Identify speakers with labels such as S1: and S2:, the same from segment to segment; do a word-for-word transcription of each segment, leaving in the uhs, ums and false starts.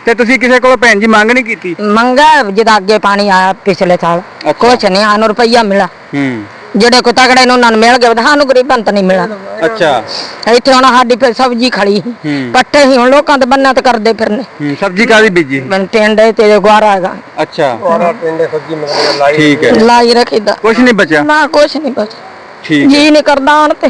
S1: ਤੇ ਤੁਸੀਂ ਕਿਸੇ ਕੋਲ ਭੈਣ ਜੀ ਮੰਗ ਨਹੀਂ ਕੀਤੀ?
S2: ਮੰਗਾ ਜਦ ਅੱਗੇ ਪਾਣੀ ਆਇਆ ਪਿਛਲੇ ਸਾਲ ਕੁਛ ਨਹੀਂ ਸਾਨੂੰ ਰੁਪਈਆ ਮਿਲਾ।
S1: ਹੂੰ
S2: ਜਿਹੜੇ ਕੋ ਤਗੜੇ ਨੇ ਉਹਨਾਂ ਨੂੰ ਮਿਲ ਗਿਆ, ਸਾਨੂੰ ਗਰੀਬਾਂ ਤਾਂ ਨਹੀਂ ਮਿਲਾ।
S1: ਅੱਛਾ
S2: ਇੱਥੇ ਹੁਣ ਸਾਡੀ ਫਿਰ ਸਬਜ਼ੀ ਖੜੀ ਪੱਟੇ ਹੀ ਹੁਣ ਲੋਕਾਂ ਦੇ ਬੰਨਾਂ ਤੇ ਕਰਦੇ ਫਿਰਨੇ।
S1: ਸਬਜ਼ੀ ਕਾਹਦੀ ਬੀਜੀ?
S2: ਟਿੰਡੇ ਤੇ ਗੁਆਰਾ ਹੈਗਾ।
S1: ਅੱਛਾ
S3: ਟਿੰਡੇ ਸਬਜ਼ੀ ਮਤਲਬ ਲਾਈ
S1: ਠੀਕ ਹੈ,
S2: ਲਾਈ ਰੱਖੀਦਾ
S1: ਕੁਛ ਨਹੀਂ ਬਚਿਆ
S2: ਨਾ, ਕੁਛ ਨਹੀਂ ਬਚਿਆ।
S1: ਠੀਕ
S2: ਜੀ ਨਹੀਂ ਕਰਦਾ ਆਣ ਤੇ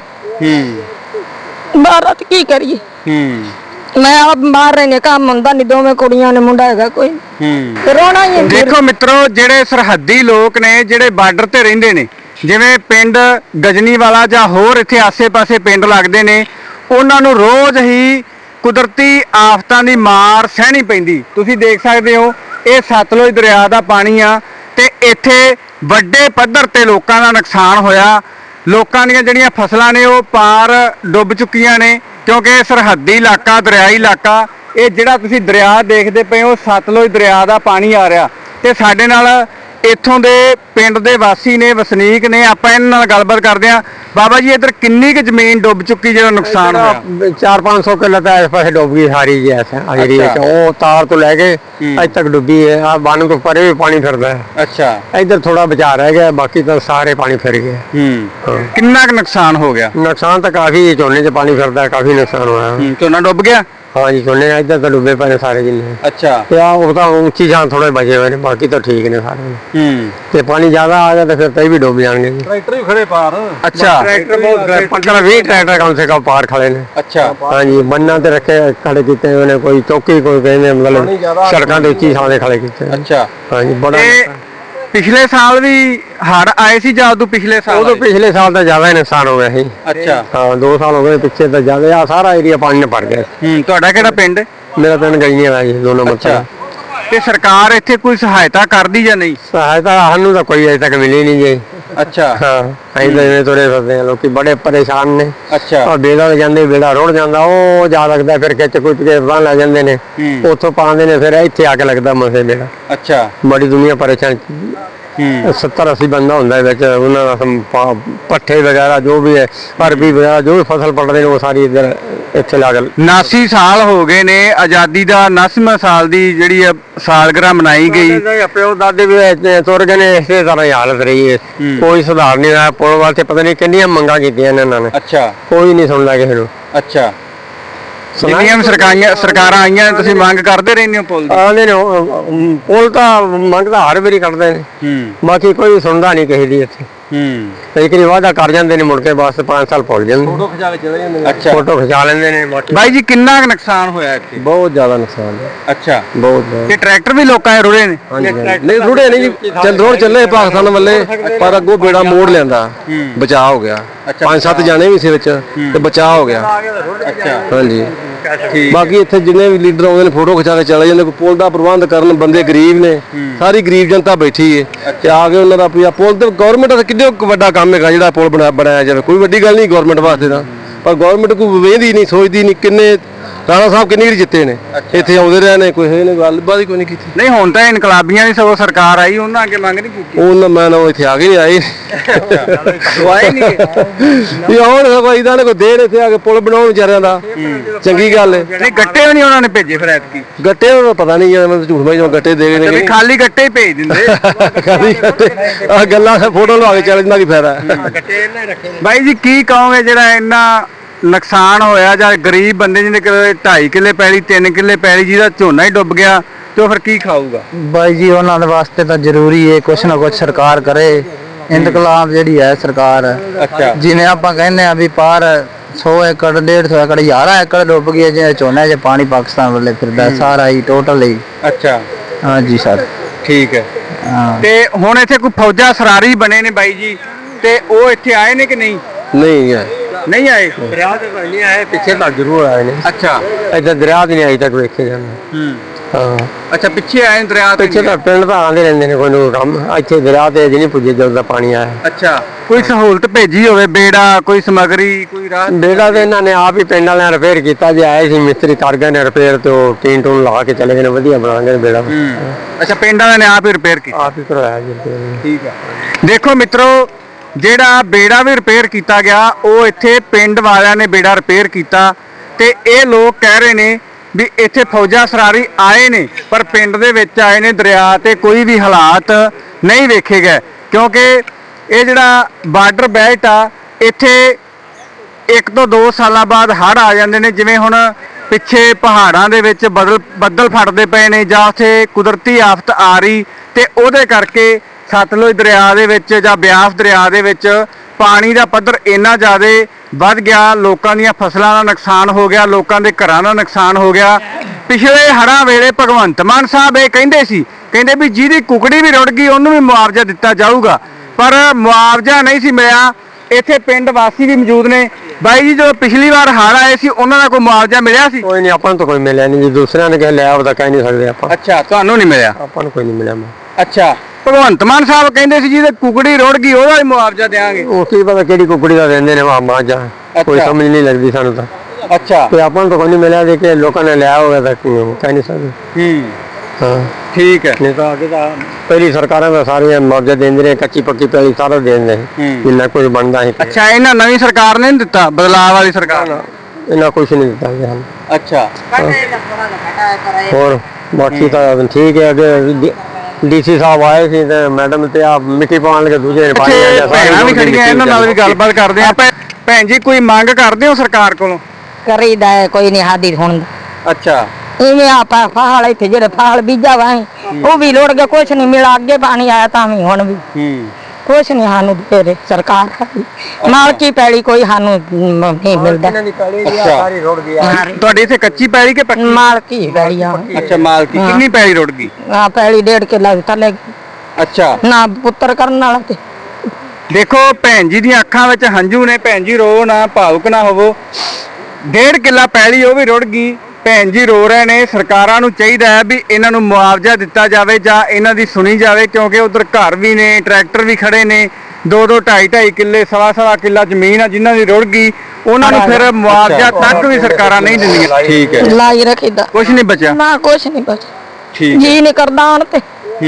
S1: ਹੂੰ
S2: ਬਾਹਰ ਤੇ ਕੀ ਕਰੀਏ।
S1: ਹੂੰ
S2: ਮੈਂ ਆਪ ਬਾਹਰ ਰਹਿਨੇ ਕੰਮ ਹੁੰਦਾ ਨਹੀਂ, ਦੋਵੇਂ ਕੁੜੀਆਂ ਨੇ ਮੁੰਡਾ ਹੈਗਾ ਕੋਈ
S1: ਹੂੰ
S2: ਰੋਣਾ ਹੀ ਹੈ।
S1: ਦੇਖੋ ਮਿੱਤਰੋ, ਜਿਹੜੇ ਸਰਹੱਦੀ ਲੋਕ ਨੇ ਜਿਹੜੇ ਬਾਰਡਰ ਤੇ ਰਹਿੰਦੇ ਨੇ, ਜਿਵੇਂ ਪਿੰਡ ਗਜਨੀਵਾਲਾ ਜਾਂ ਹੋਰ ਇੱਥੇ ਆਸੇ-ਪਾਸੇ ਪਿੰਡ ਲੱਗਦੇ ਨੇ, ਉਹਨਾਂ ਨੂੰ ਰੋਜ਼ ਹੀ ਕੁਦਰਤੀ ਆਫਤਾਂ ਦੀ ਮਾਰ ਸਹਿਣੀ ਪੈਂਦੀ। ਤੁਸੀਂ ਦੇਖ ਸਕਦੇ ਹੋ ਇਹ ਸਤਲੁਜ ਦਰਿਆ ਦਾ ਪਾਣੀ ਆ ਤੇ ਇੱਥੇ ਵੱਡੇ ਪੱਧਰ ਤੇ ਲੋਕਾਂ ਦਾ ਨੁਕਸਾਨ ਹੋਇਆ। ਲੋਕਾਂ ਦੀਆਂ ਜਿਹੜੀਆਂ ਫਸਲਾਂ ਨੇ ਉਹ ਪਾਰ ਡੁੱਬ ਚੁੱਕੀਆਂ ਨੇ, ਕਿਉਂਕਿ ਇਹ ਸਰਹੱਦੀ ਇਲਾਕਾ, ਦਰਿਆਈ ਇਲਾਕਾ। ਇਹ ਜਿਹੜਾ ਤੁਸੀਂ ਦਰਿਆ ਦੇਖਦੇ ਪਏ ਹੋ, ਸਤਲੁਜ ਦਰਿਆ ਦਾ ਪਾਣੀ ਆ ਰਿਹਾ। ਤੇ ਸਾਡੇ ਨਾਲ ਇੱਥੋਂ ਦੇ ਪਿੰਡ ਦੇ ਵਾਸੀ ਨੇ, ਵਸਨੀਕ ਨੇ, ਆਪਾਂ ਇਹਨਾਂ ਨਾਲ ਗੱਲਬਾਤ ਕਰਦੇ ਹਾਂ। ਬਾਬਾ ਜੀ ਇੱਧਰ ਕਿੰਨੀ ਕੁ ਜ਼ਮੀਨ ਡੁੱਬ ਚੁੱਕੀ, ਜਿਹੜਾ ਨੁਕਸਾਨ ਹੋਇਆ?
S3: ਚਾਰ ਪੰਜ ਸੌ ਕਿੱਲਾ ਤਾਂ ਇਸ ਪਾਸੇ ਡੁੱਬ ਗਈ ਸਾਰੀ ਜੀ। ਏਰੀਆ ਚ ਉਹ ਤਾਰ ਤੋਂ ਲੈ ਕੇ ਅੱਜ ਤੱਕ ਡੁੱਬੀ ਹੈ। ਆ ਬੰਨ ਤੋਂ ਪਰੇ ਵੀ ਪਾਣੀ ਫਿਰਦਾ ਹੈ।
S1: ਅੱਛਾ
S3: ਇੱਧਰ ਥੋੜਾ ਬਚਾ ਰਹਿ ਗਿਆ, ਬਾਕੀ ਤਾਂ ਸਾਰੇ ਪਾਣੀ ਫਿਰ ਗਏ।
S1: ਹੂੰ ਕਿੰਨਾ ਕੁ ਨੁਕਸਾਨ ਹੋ ਗਿਆ?
S3: ਨੁਕਸਾਨ ਤਾਂ ਕਾਫੀ, ਝੋਨੇ 'ਚ ਪਾਣੀ ਫਿਰਦਾ, ਕਾਫੀ ਨੁਕਸਾਨ ਹੋਇਆ।
S1: ਝੋਨਾ ਡੁੱਬ ਗਿਆ?
S3: ਹਾਂ ਜੀ, ਝੋਨੇ ਇੱਧਰ ਤਾਂ ਡੁੱਬੇ ਪਏ ਨੇ ਸਾਰੇ ਜਿੰਨੇ।
S1: ਅੱਛਾ
S3: ਤੇ ਆ ਉਹ ਤਾਂ ਉੱਚੀ ਥਾਂ ਥੋੜੇ ਬਚੇ ਹੋਏ ਨੇ, ਬਾਕੀ ਤਾਂ ਠੀਕ ਨੇ ਸਾਰੇ।
S1: ਹੂੰ
S3: ਤੇ ਪਾਣੀ ਜ਼ਿਆਦਾ ਆ ਗਿਆ ਤਾਂ ਫਿਰ ਤਾਂ ਇਹ ਵੀ ਡੁੱਬ ਜਾਣਗੇ ਜੀ।
S1: ਟਰੈਕਟਰ ਵੀ ਖੜੇ ਪਾਰ? ਅੱਛਾ
S3: ਟਰੈਕਟਰ ਬਹੁਤ ਪੰਦਰਾਂ ਵੀਹ ਟਰੈਕਟਰ ਕਮ ਸੇ ਕਮ ਪਾਰ ਖੜੇ ਨੇ।
S1: ਅੱਛਾ
S3: ਹਾਂਜੀ, ਬੰਨਾਂ ਤੇ ਰੱਖੇ ਖੜੇ ਕੀਤੇ ਹੋਏ ਨੇ, ਕੋਈ ਚੌਕੀ, ਕੋਈ ਕਹਿੰਦੇ ਮਤਲਬ ਸੜਕਾਂ ਦੇ ਉੱਚੀ ਥਾਂ ਦੇ ਖੜੇ ਕੀਤੇ।
S1: ਅੱਛਾ
S3: ਹਾਂਜੀ, ਬੜਾ
S1: ਪਿਛਲੇ ਸਾਲ ਵੀ ਹੜ੍ਹ ਆਏ ਸੀ ਜਾਂ ਉਦੋਂ ਪਿਛਲੇ ਸਾਲ?
S3: ਉਦੋਂ ਪਿਛਲੇ ਸਾਲ ਤਾਂ ਜ਼ਿਆਦਾ ਹੀ ਨੁਕਸਾਨ ਹੋ ਗਿਆ ਸੀ।
S1: ਅੱਛਾ
S3: ਹਾਂ, ਦੋ ਸਾਲ ਹੋ ਗਏ ਪਿੱਛੇ ਤਾਂ ਜ਼ਿਆਦਾ। ਆ ਸਾਰਾ ਏਰੀਆ ਪਾਣੀ ਨਾਲ ਭਰ ਗਿਆ।
S1: ਹੂੰ ਤੁਹਾਡਾ ਕਿਹੜਾ ਪਿੰਡ?
S3: ਮੇਰਾ ਪਿੰਡ ਗਈਆਂ ਵਾਲਾ ਜੀ, ਦੋ ਨੰਬਰ।
S1: ਅੱਛਾ ਤੇ ਸਰਕਾਰ ਇੱਥੇ ਕੋਈ ਸਹਾਇਤਾ ਕਰਦੀ ਜਾਂ ਨਹੀਂ?
S3: ਸਹਾਇਤਾ ਸਾਨੂੰ ਤਾਂ ਕੋਈ ਅਜੇ ਤੱਕ ਮਿਲੀ ਨਹੀਂ ਜੀ।
S1: ਅੱਛਾ
S3: ਹਾਂ, ਅਸੀਂ ਤਾਂ ਇਵੇਂ ਤੁਰੇ ਫਿਰਦੇ ਆ, ਲੋਕੀ ਬੜੇ ਪਰੇਸ਼ਾਨ ਨੇ।
S1: ਅੱਛਾ
S3: ਆ ਬੇੜਾ ਜਾਂਦੇ, ਬੇੜਾ ਰੁੜ ਜਾਂਦਾ, ਉਹ ਜਾ ਲੱਗਦਾ, ਫਿਰ ਖਿੱਚ ਕੁੱਚ ਕੇ ਬਾਹਰ ਲੈ ਜਾਂਦੇ ਨੇ, ਉੱਥੋਂ ਪਾਉਂਦੇ ਨੇ, ਫਿਰ ਇੱਥੇ ਆ ਕੇ ਲੱਗਦਾ ਮਸੇ ਬੇੜਾ।
S1: ਅੱਛਾ
S3: ਬੜੀ ਦੁਨੀਆ ਪਰੇਸ਼ਾਨ। ਸੱਤਰ ਅੱਸੀ ਬੰਦਾ ਹੁੰਦਾ ਵਿੱਚ, ਉਹਨਾਂ ਦਾ ਪੱਠੇ ਵਗੈਰਾ ਜੋ ਵੀ ਹੈ, ਅਰਬੀ ਵਗੈਰਾ ਜੋ ਵੀ ਫਸਲ ਪੱਟਦੇ ਨੇ, ਉਹ ਸਾਰੀ ਇੱਧਰ ਇੱਥੇ ਲਾ ਕੇ।
S1: ਉਨਾਸੀ ਸਾਲ ਹੋ ਗਏ ਨੇ ਆਜ਼ਾਦੀ ਦਾ, ਉਨਾਸੀਵਾਂ ਸਾਲ ਦੀ ਜਿਹੜੀ ਸਾਲਗਿਰਾ ਮਨਾਈ ਗਈ।
S3: ਪਿਓ ਦਾਦੇ ਵੀ ਤੁਰ ਗਏ ਨੇ, ਇਸੇ ਤਰ੍ਹਾਂ ਹੀ ਹਾਲਤ ਰਹੀ ਹੈ। ਕੋਈ ਸੁਧਾਰ ਨਹੀਂ ਹੋਇਆ। ਪੁਲ ਵਾਸਤੇ ਪਤਾ ਨਹੀਂ ਕਿੰਨੀਆਂ ਮੰਗਾਂ ਕੀਤੀਆਂ ਇਹਨਾਂ ਨੇ।
S1: ਅੱਛਾ
S3: ਕੋਈ ਨਹੀਂ ਸੁਣਦਾ ਕਿਸੇ ਨੂੰ।
S1: ਅੱਛਾ ਜਿੰਨੀਆਂ ਸਰਕਾਰੀਆਂ ਸਰਕਾਰਾਂ ਆਈਆਂ, ਤੁਸੀਂ ਮੰਗ ਕਰਦੇ ਰਹਿੰਦੇ ਹੋ ਪੁੱਲ ਦੀ?
S3: ਆਉਂਦੇ ਨੇ, ਪੁੱਲ ਤਾਂ ਮੰਗ ਤਾਂ ਹਰ ਵਾਰੀ ਕਰਦੇ ਨੇ, ਬਾਕੀ ਕੋਈ ਸੁਣਦਾ ਨਹੀਂ ਕਿਸੇ ਦੀ ਇੱਥੇ।
S1: ਹੂੰ
S3: ਇੱਕ ਵਾਰੀ ਵਾਅਦਾ ਕਰ ਜਾਂਦੇ ਨੇ, ਮੁੜ ਕੇ ਬਸ ਪੰਜ ਸਾਲ ਭੁੱਲ ਜਾਂਦੇ। ਫੋਟੋ ਖਿਚਾ ਕੇ ਚਲੇ ਜਾਂਦੇ ਨੇ। ਅੱਛਾ, ਫੋਟੋ ਖਿਚਾ ਲੈਂਦੇ ਨੇ।
S1: ਬਾਈ ਜੀ ਕਿੰਨਾ ਕੁ ਨੁਕਸਾਨ ਹੋਇਆ ਇੱਥੇ?
S3: ਬਹੁਤ ਜ਼ਿਆਦਾ ਨੁਕਸਾਨ ਹੈ।
S1: ਅੱਛਾ
S3: ਬਹੁਤ ਜ਼ਿਆਦਾ।
S1: ਤੇ ਟਰੈਕਟਰ ਵੀ ਲੋਕਾਂ ਦੇ ਰੁੜੇ ਨੇ?
S3: ਨਹੀਂ ਰੁੜੇ ਨਹੀਂ ਜੀ, ਚੱਲ ਰੋਡ ਚੱਲੇ ਪਾਕਿਸਤਾਨ ਵੱਲੇ, ਪਰ ਅੱਗੋਂ ਬੇੜਾ ਮੋੜ ਲੈਂਦਾ, ਬਚਾਅ ਹੋ ਗਿਆ। ਪੰਜ ਸੱਤ ਜਾਣੇ ਵੀ ਸੀ ਵਿੱਚ ਤੇ ਬਚਾਅ ਹੋ ਗਿਆ।
S1: ਅੱਛਾ
S3: ਹਾਂਜੀ, ਬਾਕੀ ਇੱਥੇ ਜਿੰਨੇ ਵੀ ਲੀਡਰ ਆਉਂਦੇ ਨੇ ਫੋਟੋ ਖਿਚਾ ਕੇ ਚਲੇ ਜਾਂਦੇ। ਪੁਲ ਦਾ ਪ੍ਰਬੰਧ ਕਰਨ, ਬੰਦੇ ਗਰੀਬ ਨੇ, ਸਾਰੀ ਗਰੀਬ ਜਨਤਾ ਬੈਠੀ ਹੈ ਤੇ ਆ ਕੇ ਉਹਨਾਂ ਦਾ ਪੁਲ ਤੇ ਗਵਰਨਮੈਂਟ ਦਾ ਕਿੰਨਾ ਵੱਡਾ ਕੰਮ ਹੈਗਾ ਜਿਹੜਾ ਪੁਲ ਬਣਾਇਆ ਜਾਵੇ। ਕੋਈ ਵੱਡੀ ਗੱਲ ਨਹੀਂ ਗਵਰਨਮੈਂਟ ਵਾਸਤੇ ਤਾਂ, ਪਰ ਗਵਰਨਮੈਂਟ ਕੋਈ ਵੇਖਦੀ ਨਹੀਂ, ਸੋਚਦੀ ਨਹੀਂ। ਕਿੰਨੇ ਰਾਣਾ ਸਾਹਿਬ ਕਿੰਨੀ ਵਾਰੀ ਜਿੱਤੇ ਨੇ, ਇੱਥੇ ਆਉਂਦੇ ਰਹੇ ਨੇ, ਕੋਈ ਇਹਨੇ ਗੱਲਬਾਤ ਹੀ ਕੋਈ ਨਹੀਂ ਕੀਤੀ।
S1: ਨਹੀਂ ਹੁਣ ਤਾਂ ਇਨਕਲਾਬੀਆਂ ਦੀ ਸਗੋਂ ਸਰਕਾਰ ਆਈ, ਉਹਨਾਂ ਅੱਗੇ ਮੰਗ ਨਹੀਂ ਕੀਤੀ?
S3: ਉਹਨਾਂ ਮੈਂ ਨਾ ਇੱਥੇ ਆ ਕੇ ਨਹੀਂ ਆਏ
S1: ਦਵਾਈ ਨਹੀਂ
S3: ਇਹ ਹੁਣ ਸਗੋਂ ਇਹਨਾਂ ਨੇ ਕੋਈ ਦੇਰ ਇੱਥੇ ਆ ਕੇ ਪੁਲ ਬਣਾਉਣ ਵਿਚਾਰਿਆਂ ਦਾ, ਚੰਗੀ ਗੱਲ ਹੈ।
S1: ਨਹੀਂ ਗੱਟੇ ਵੀ ਨਹੀਂ ਉਹਨਾਂ ਨੇ ਭੇਜੇ ਫਿਰ ਐਤਕੀ?
S3: ਗੱਟੇ ਉਹਨਾਂ ਪਤਾ ਨਹੀਂ ਯਾਰ, ਮੈਂ ਝੂਠ ਮੈਂ ਜੋ ਗੱਟੇ ਦੇ ਗਏ ਨੇ,
S1: ਖਾਲੀ ਗੱਟੇ ਹੀ ਭੇਜ ਦਿੰਦੇ।
S3: ਖਾਲੀ ਗੱਟੇ ਆ ਗੱਲਾਂ ਫੋਟੋ ਲਵਾ ਕੇ ਚੱਲ ਜਾਂਦਾ, ਕੀ ਫਾਇਦਾ।
S1: ਬਾਈ ਜੀ ਕੀ ਕਹੋਗੇ ਜਿਹੜਾ ਇੰਨਾ ਨੁਕਸਾਨ ਹੋਇਆ, ਜਾਂ ਗਰੀਬ ਬੰਦੇ ਜਿਹਨੇ ਢਾਈ ਕਿੱਲੇ ਪੈਲੀ, ਤਿੰਨ ਕਿੱਲੇ ਪੈਲੀ, ਜਿਹਦਾ ਝੋਨਾ ਹੀ ਡੁੱਬ ਗਿਆ, ਤੇ ਉਹ ਫਿਰ ਕੀ ਖਾਊਗਾ?
S4: ਬਾਈ ਜੀ ਉਹਨਾਂ ਦੇ ਵਾਸਤੇ ਤਾਂ ਜ਼ਰੂਰੀ ਹੈ ਕੁਛ ਨਾ ਕੁਛ ਸਰਕਾਰ ਕਰੇ। ਇਨਕਲਾਬ ਜਿਹੜੀ ਹੈ ਸਰਕਾਰ,
S1: ਅੱਛਾ
S4: ਜਿਵੇਂ ਆਪਾਂ ਕਹਿੰਦੇ ਆ ਵੀ ਪਾਰ ਸੌ ਏਕੜ, ਡੇਢ ਸੌ ਏਕੜ, ਹਜ਼ਾਰਾਂ ਏਕੜ ਡੁੱਬ ਗਏ। ਜਿਵੇਂ ਝੋਨੇ 'ਚ ਪਾਣੀ ਪਾਕਿਸਤਾਨ ਵੱਲੇ ਫਿਰਦਾ ਸਾਰਾ ਹੀ ਟੋਟਲ ਹੀ।
S1: ਅੱਛਾ
S4: ਹਾਂਜੀ ਸਰ,
S1: ਠੀਕ ਹੈ।
S4: ਹਾਂ,
S1: ਤੇ ਹੁਣ ਇੱਥੇ ਕੋਈ ਫੌਜਾ ਸਰਾਰੀ ਬਣੇ ਨੇ ਬਾਈ ਜੀ, ਤੇ ਉਹ ਇੱਥੇ ਆਏ ਨੇ ਕਿ ਨਹੀਂ?
S3: ਨਹੀਂ ਆਏ,
S1: ਨਹੀਂ ਆਏ।
S3: ਦਰਿਆ ਤੇ ਨਹੀਂ ਆਏ, ਪਿੱਛੇ ਤੱਕ ਜ਼ਰੂਰ ਆਏ ਨੇ।
S1: ਅੱਛਾ
S3: ਇੱਧਰ ਦਰਿਆ ਤੇ ਨਹੀਂ ਅਜੇ ਤੱਕ ਵੇਖੇ ਜਾਂਦੇ।
S1: ਹੂੰ
S3: ਹਾਂ,
S1: ਅੱਛਾ ਪਿੱਛੇ ਆਏ ਨੇ ਦਰਿਆ ਤੇ?
S3: ਪਿੱਛੇ ਤਾਂ ਪਿੰਡ ਤਾਂ ਆਉਂਦੇ ਰਹਿੰਦੇ ਨੇ, ਕੋਈ ਨੂੰ ਕੰਮ। ਇੱਥੇ ਦਰਿਆ ਤੇ ਅਜੇ ਨਹੀਂ ਪੁੱਜੇ ਜਦੋਂ ਦਾ ਪਾਣੀ ਆਇਆ।
S1: ਅੱਛਾ ਕੋਈ ਸਹੂਲਤ ਭੇਜੀ ਹੋਵੇ, ਬੇੜਾ, ਕੋਈ ਸਮਗਰੀ, ਕੋਈ ਰਾਹ?
S3: ਬੇੜਾ ਤੇ ਇਹਨਾਂ ਨੇ ਆਪ ਹੀ ਪਿੰਡ ਵਾਲਿਆਂ ਰਿਪੇਅਰ ਕੀਤਾ। ਜੇ ਆਏ ਸੀ ਮਿਸਤਰੀ ਕਰ ਗਏ ਨੇ ਰਿਪੇਅਰ, ਤੇ ਉਹ ਟੀਨ ਟੂਨ ਲਾ ਕੇ ਚਲੇ ਗਏ ਨੇ, ਵਧੀਆ ਬਣਾ ਗਏ ਬੇੜਾ।
S1: ਅੱਛਾ ਪਿੰਡ ਵਾਲਿਆਂ ਨੇ ਆਪ ਹੀ ਰਿਪੇਅਰ ਕੀਤਾ?
S3: ਆਪ ਹੀ ਕਰਵਾਇਆ ਜੀ।
S1: ਠੀਕ ਹੈ। ਦੇਖੋ ਮਿੱਤਰੋ, ਜਿਹੜਾ ਬੇੜਾ ਵੀ ਰਿਪੇਅਰ ਕੀਤਾ ਗਿਆ, ਉਹ ਇੱਥੇ ਪਿੰਡ ਵਾਲਿਆਂ ਨੇ ਬੇੜਾ ਰਿਪੇਅਰ ਕੀਤਾ। ਤੇ ਇਹ ਲੋਕ ਕਹਿ ਰਹੇ ਨੇ ਵੀ ਇੱਥੇ ਫੌਜਾਂ ਸਰਾਰੀ ਆਏ ਨੇ ਪਰ ਪਿੰਡ ਦੇ ਵਿੱਚ ਆਏ ਨੇ, ਦਰਿਆ ਤੇ ਕੋਈ ਵੀ ਹਾਲਾਤ ਨਹੀਂ ਵੇਖੇ ਗਏ ਕਿਉਂਕਿ ਇਹ ਜਿਹੜਾ ਬਾਰਡਰ ਬੈਲਟ ਆ ਇੱਥੇ ਇੱਕ ਤੋਂ ਦੋ ਸਾਲਾਂ ਬਾਅਦ ਹੜ੍ਹ ਆ ਜਾਂਦੇ ਨੇ। ਜਿਵੇਂ ਹੁਣ ਪਿੱਛੇ ਪਹਾੜਾਂ ਦੇ ਵਿੱਚ ਬਦਲ ਬੱਦਲ ਫਟਦੇ ਪਏ ਨੇ ਜਾਂ ਉੱਥੇ ਕੁਦਰਤੀ ਆਫਤ ਆ ਰਹੀ ਤੇ ਉਹਦੇ ਕਰਕੇ ਸਤਲੁਜ ਦਰਿਆ ਦੇ ਵਿੱਚ ਜਾਂ ਬਿਆਸ ਦਰਿਆ ਦੇ ਵਿੱਚ ਪਾਣੀ ਦਾ ਪੱਧਰ ਇੰਨਾ ਜ਼ਿਆਦਾ ਵੱਧ ਗਿਆ, ਲੋਕਾਂ ਦੀਆਂ ਫਸਲਾਂ ਦਾ ਨੁਕਸਾਨ ਹੋ ਗਿਆ, ਲੋਕਾਂ ਦੇ ਘਰਾਂ ਦਾ ਨੁਕਸਾਨ ਹੋ ਗਿਆ। ਪਿਛਲੇ ਹੜ੍ਹਾਂ ਵੇਲੇ ਭਗਵੰਤ ਮਾਨ ਸਾਹਿਬ ਇਹ ਕਹਿੰਦੇ ਸੀ, ਕਹਿੰਦੇ ਵੀ ਜਿਹਦੀ ਕੁਕੜੀ ਵੀ ਰੁੜ ਗਈ ਉਹਨੂੰ ਵੀ ਮੁਆਵਜ਼ਾ ਦਿੱਤਾ ਜਾਊਗਾ, ਪਰ ਮੁਆਵਜ਼ਾ ਨਹੀਂ ਸੀ ਮਿਲਿਆ। ਇੱਥੇ ਪਿੰਡ ਵਾਸੀ ਵੀ ਮੌਜੂਦ ਨੇ। ਬਾਈ ਜੀ, ਜਦੋਂ ਪਿਛਲੀ ਵਾਰ ਹੜ੍ਹ ਆਏ ਸੀ ਉਹਨਾਂ ਦਾ ਕੋਈ ਮੁਆਵਜ਼ਾ ਮਿਲਿਆ ਸੀ?
S3: ਕੋਈ ਨਹੀਂ, ਆਪਾਂ ਨੂੰ ਤਾਂ ਕੋਈ ਮਿਲਿਆ ਨਹੀਂ। ਜੇ ਦੂਸਰਿਆਂ ਨੇ ਕਿਹਾ ਲਿਆ ਉਹਦਾ ਕਹਿ ਨਹੀਂ ਸਕਦੇ ਆਪਾਂ।
S1: ਅੱਛਾ, ਤੁਹਾਨੂੰ ਨਹੀਂ ਮਿਲਿਆ?
S3: ਆਪਾਂ ਨੂੰ ਕੋਈ ਨਹੀਂ ਮਿਲਿਆ।
S1: ਅੱਛਾ, ਭਗਵੰਤ ਮਾਨ ਸਾਹਿਬ ਕਹਿੰਦੇ ਸੀ ਜਿਹਦੇ ਕੁਕੜੀ ਰੁੜ ਗਈ ਉਹਦਾ ਵੀ ਮੁਆਵਜ਼ਾ ਦੇਵਾਂਗੇ।
S3: ਉਹ ਕੀ ਪਤਾ ਕਿਹੜੀ ਕੁਕੜੀ ਦਾ ਦਿੰਦੇ ਨੇ ਮੁਆਵਜ਼ਾ, ਕੋਈ ਸਮਝ ਨਹੀਂ ਲੱਗਦੀ ਸਾਨੂੰ ਤਾਂ।
S1: ਅੱਛਾ,
S3: ਤੇ ਆਪਾਂ ਨੂੰ ਤਾਂ ਕੋਈ ਨਹੀਂ ਮਿਲਿਆ, ਜੇ ਕਿ ਲੋਕਾਂ ਨੇ ਲਿਆ ਹੋਗਾ ਤਾਂ ਕਹਿ ਨਹੀਂ ਸਕਦੇ।
S1: ਹੂੰ,
S3: ਹਾਂ
S1: ਠੀਕ ਹੈ।
S3: ਨਹੀਂ ਤਾਂ ਅੱਗੇ ਤਾਂ ਪਹਿਲੀ ਸਰਕਾਰਾਂ ਦਾ ਸਾਰੀਆਂ ਮੁਆਵਜ਼ਾ ਦਿੰਦੇ ਨੇ, ਕੱਚੀ ਪੱਕੀ ਪਹਿਲੀ ਸਾਰਾ ਦਿੰਦੇ ਨੇ, ਜਿੰਨਾ ਕੁਝ ਬਣਦਾ ਹੈ।
S1: ਅੱਛਾ, ਇਹਨਾਂ ਨਵੀਂ ਸਰਕਾਰ ਨੇ ਨਹੀਂ ਦਿੱਤਾ, ਬਦਲਾਅ ਵਾਲੀ ਸਰਕਾਰ ਨੇ?
S3: ਇਹਨਾਂ ਕੁਝ ਨਹੀਂ ਦਿੱਤਾ ਜੀ ਸਾਨੂੰ।
S1: ਅੱਛਾ,
S3: ਹੋਰ ਬਾਕੀ ਤਾਂ ਠੀਕ ਹੈ। ਅੱਗੇ ਡੀਸੀ ਸਾਹਿਬ ਆਏ ਸੀ ਤੇ ਮੈਡਮ ਤੇ ਆ ਮਿੱਟੀ ਪਾਉਣ ਲੱਗੇ, ਦੂਜੇ ਨੇ ਪਾਣੀ ਆ ਗਿਆ।
S1: ਭੈਣਾਂ ਵੀ ਖੜੀਆਂ, ਇਹਨਾਂ ਨਾਲ ਵੀ ਗੱਲਬਾਤ ਕਰਦੇ ਆ। ਭੈਣ ਜੀ, ਕੋਈ ਮੰਗ ਕਰਦੇ ਹੋ ਸਰਕਾਰ ਕੋਲੋਂ?
S2: ਕਰੀਦਾ ਹੈ, ਕੋਈ ਨਹੀਂ ਹਾਦੀ ਸੁਣਦਾ।
S1: ਅੱਛਾ,
S2: ਇਵੇਂ ਆਪਾਂ ਫਾਲ ਇੱਥੇ ਜਿਹੜੇ ਫਾਲ ਬੀਜਾ ਵਾ ਉਹ ਵੀ ਲੋੜ ਗਏ, ਕੁਛ ਨਹੀਂ ਮਿਲਾ। ਅੱਗੇ ਪਾਣੀ ਆਇਆ ਤਾਂ ਵੀ ਹੁਣ ਵੀ
S1: ਹੂੰ,
S2: ਕੁਛ ਨਹੀਂ ਸਾਨੂੰ ਦੇ ਰਹੇ ਸਰਕਾਰ। ਮਾਲਕੀ ਪੈਲੀ ਕੋਈ ਸਾਨੂੰ ਨਹੀਂ ਮਿਲਦਾ।
S3: ਸਾਰੀ ਰੁੜ ਗਈ।
S1: ਤੁਹਾਡੇ ਇੱਥੇ ਕੱਚੀ ਪੈਲੀ ਕਿ ਪੱਕੀ?
S2: ਮਾਲਕੀ ਪੈਲੀ ਆ।
S1: ਅੱਛਾ, ਮਾਲਕੀ। ਕਿੰਨੀ ਪੈਲੀ ਰੁੜ ਗਈ?
S2: ਆ ਪੈਲੀ ਡੇਢ ਕਿੱਲਾ ਥੱਲੇ
S1: ਅੱਛਾ,
S2: ਨਾ ਪੁੱਤਰ ਕਰਨ ਵਾਲਾ ਤੇ।
S1: ਦੇਖੋ ਭੈਣ ਜੀ ਦੀਆਂ ਅੱਖਾਂ ਵਿੱਚ ਹੰਝੂ ਨੇ। ਭੈਣ ਜੀ, ਰੋ ਨਾ, ਭਾਵੁਕ ਨਾ ਹੋਵੋ। ਡੇਢ ਕਿੱਲਾ ਪੈਲੀ ਉਹ ਵੀ ਰੁੜ ਗਈ। ਭੈਣ ਜੀ ਰੋ ਰਹੇ ਨੇ। ਸਰਕਾਰਾਂ ਨੂੰ ਚਾਹੀਦਾ ਹੈ ਵੀ ਇਹਨਾਂ ਨੂੰ ਮੁਆਵਜ਼ਾ ਦਿੱਤਾ ਜਾਵੇ ਜਾਂ ਇਹਨਾਂ ਦੀ ਸੁਣੀ ਜਾਵੇ, ਕਿਉਂਕਿ ਉਧਰ ਘਰ ਵੀ ਨੇ, ਟਰੈਕਟਰ ਵੀ ਖੜੇ ਨੇ, ਦੋ ਦੋ ਢਾਈ ਢਾਈ ਕਿੱਲੇ ਸਵਾ ਸਵਾ ਕਿੱਲਾ ਜ਼ਮੀਨ ਆ ਜਿਨ੍ਹਾਂ ਦੀ ਰੁੜ ਗਈ, ਉਹਨਾਂ ਨੂੰ ਫਿਰ ਮੁਆਵਜ਼ਾ ਤੱਕ ਵੀ ਸਰਕਾਰਾਂ ਨਹੀਂ ਦਿੰਦੀਆਂ। ਠੀਕ ਹੈ,
S2: ਲਾਈ ਰੱਖੀਦਾ,
S1: ਕੁਛ ਨਹੀਂ ਬਚਿਆ?
S2: ਨਾ ਕੁਛ ਨਹੀਂ ਬਚਿਆ।
S1: ਠੀਕ
S2: ਜੀ ਨਹੀਂ ਕਰਦਾ ਆਣ ਤੇ।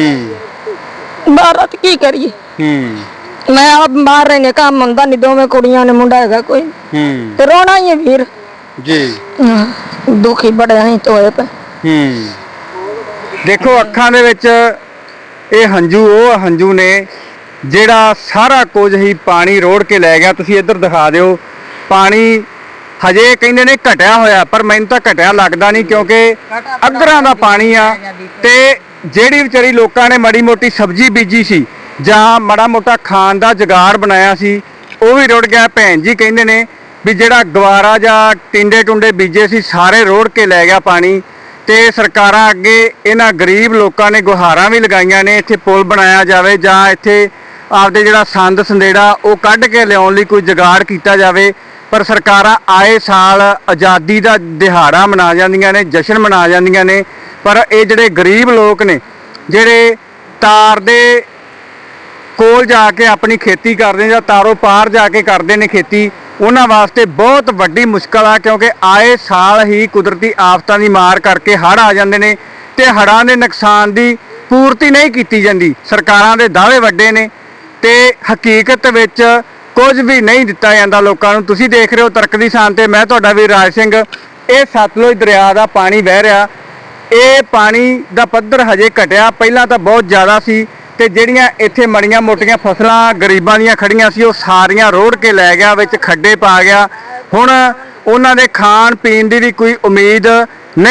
S1: ਹੂੰ,
S2: ਬਾਹਰ ਤੇ ਕੀ ਕਰੀਏ?
S1: ਹੂੰ,
S2: ਮੈਂ ਆਪ ਬਾਹਰ ਰਹਿਨੇ, ਕੰਮ ਹੁੰਦਾ ਨਹੀਂ, ਦੋਵੇਂ ਕੁੜੀਆਂ ਨੇ, ਮੁੰਡਾ ਹੈਗਾ ਕੋਈ,
S1: ਹੂੰ,
S2: ਤੇ ਰੋਣਾ ਹੀ ਹੈ ਵੀਰ
S1: ਜੀ।
S2: ਦੁਖੀ ਬੜੇ ਅਸੀਂ ਤੋਏ ਪਏ।
S1: ਹੂੰ, ਦੇਖੋ ਅੱਖਾਂ ਦੇ ਵਿੱਚ ਇਹ ਹੰਝੂ ਉਹ ਹੰਝੂ ਨੇ ਜਿਹੜਾ ਸਾਰਾ ਕੁਝ ਹੀ ਪਾਣੀ ਰੋੜ ਕੇ ਲੈ ਗਿਆ। ਤੁਸੀਂ ਇੱਧਰ ਦਿਖਾ ਦਿਓ, ਪਾਣੀ ਹਜੇ ਕਹਿੰਦੇ ਨੇ ਘਟਿਆ ਹੋਇਆ, ਪਰ ਮੈਨੂੰ ਤਾਂ ਘਟਿਆ ਲੱਗਦਾ ਨਹੀਂ, ਕਿਉਂਕਿ ਅੱਧਰਾਂ ਦਾ ਪਾਣੀ ਆ। ਤੇ ਜਿਹੜੀ ਵਿਚਾਰੀ ਲੋਕਾਂ ਨੇ ਮਾੜੀ ਮੋਟੀ ਸਬਜ਼ੀ ਬੀਜੀ ਸੀ ਜਾਂ ਮਾੜਾ ਮੋਟਾ ਖਾਣ ਦਾ ਜੁਗਾੜ ਬਣਾਇਆ ਸੀ ਉਹ ਵੀ ਰੁੜ ਗਿਆ। ਭੈਣ ਜੀ ਕਹਿੰਦੇ ਨੇ ਵੀ ਜਿਹੜਾ ਗਵਾਰਾ ਜਾਂ ਟਿੰਡੇ ਟੁੰਡੇ ਬੀਜੇ ਸੀ ਸਾਰੇ ਰੋੜ ਕੇ ਲੈ ਗਿਆ ਪਾਣੀ। ਤੇ ਸਰਕਾਰਾਂ ਅੱਗੇ ਇਹਨਾਂ ਗਰੀਬ ਲੋਕਾਂ ਨੇ ਗੁਹਾਰਾਂ ਵੀ ਲਗਾਈਆਂ ਨੇ, ਇੱਥੇ ਪੁਲ ਬਣਾਇਆ ਜਾਵੇ ਜਾਂ ਇੱਥੇ ਆਪਦੇ ਜਿਹੜਾ ਸੰਦ ਸੰਦੇੜਾ ਉਹ ਕੱਢ ਕੇ ਲਿਆਉਣ ਲਈ ਕੋਈ ਜੁਗਾੜ ਕੀਤਾ ਜਾਵੇ। ਪਰ ਸਰਕਾਰਾਂ ਆਏ ਸਾਲ ਆਜ਼ਾਦੀ ਦਾ ਦਿਹਾੜਾ ਮਨਾ ਜਾਂਦੀਆਂ ਨੇ, ਜਸ਼ਨ ਮਨਾ ਜਾਂਦੀਆਂ ਨੇ, ਪਰ ਇਹ ਜਿਹੜੇ ਗਰੀਬ ਲੋਕ ਨੇ ਜਿਹੜੇ ਤਾਰ ਦੇ ਕੋਲ ਜਾ ਕੇ ਆਪਣੀ ਖੇਤੀ ਕਰਦੇ ਜਾਂ ਤਾਰੋਂ ਪਾਰ ਜਾ ਕੇ ਕਰਦੇ ਨੇ ਖੇਤੀ, ਉਹਨਾਂ ਵਾਸਤੇ ਬਹੁਤ ਵੱਡੀ ਮੁਸ਼ਕਲ ਆ, ਕਿਉਂਕਿ ਆਏ ਸਾਲ ਹੀ ਕੁਦਰਤੀ ਆਫਤਾਂ ਦੀ ਮਾਰ ਕਰਕੇ ਹੜ੍ਹ ਆ ਜਾਂਦੇ ਨੇ ਤੇ ਹੜ੍ਹਾਂ ਦੇ ਨੁਕਸਾਨ ਦੀ ਪੂਰਤੀ ਨਹੀਂ ਕੀਤੀ ਜਾਂਦੀ। ਸਰਕਾਰਾਂ ਦੇ ਦਾਅਵੇ ਵੱਡੇ ਨੇ ਤੇ ਹਕੀਕਤ ਵਿੱਚ ਕੁਝ ਵੀ ਨਹੀਂ ਦਿੱਤਾ ਜਾਂਦਾ ਲੋਕਾਂ ਨੂੰ। ਤੁਸੀਂ ਦੇਖ ਰਹੇ ਹੋ ਤਰਕ ਦੀ ਸਾਨ ਤੇ ਮੈਂ ਤੁਹਾਡਾ ਵੀਰ ਰਾਜ ਸਿੰਘ। ਇਹ ਸਤਲੁਜ ਦਰਿਆ ਦਾ ਪਾਣੀ ਵਹਿ ਰਿਹਾ, ਇਹ ਪਾਣੀ ਦਾ ਪੱਧਰ ਹਜੇ ਘਟਿਆ, ਪਹਿਲਾਂ ਤਾਂ ਬਹੁਤ ਜ਼ਿਆਦਾ ਸੀ ਤੇ ਜਿਹੜੀਆਂ ਇੱਥੇ ਮੜੀਆਂ ਮੋਟੀਆਂ ਫਸਲਾਂ ਗਰੀਬਾਂ ਦੀਆਂ ਖੜੀਆਂ ਸੀ ਉਹ ਸਾਰੀਆਂ ਰੋੜ ਕੇ ਲੈ ਗਿਆ, ਵਿੱਚ ਖੱਡੇ ਪਾ ਗਿਆ। ਹੁਣ ਉਹਨਾਂ ਦੇ ਖਾਣ ਪੀਣ ਦੀ ਵੀ ਕੋਈ ਉਮੀਦ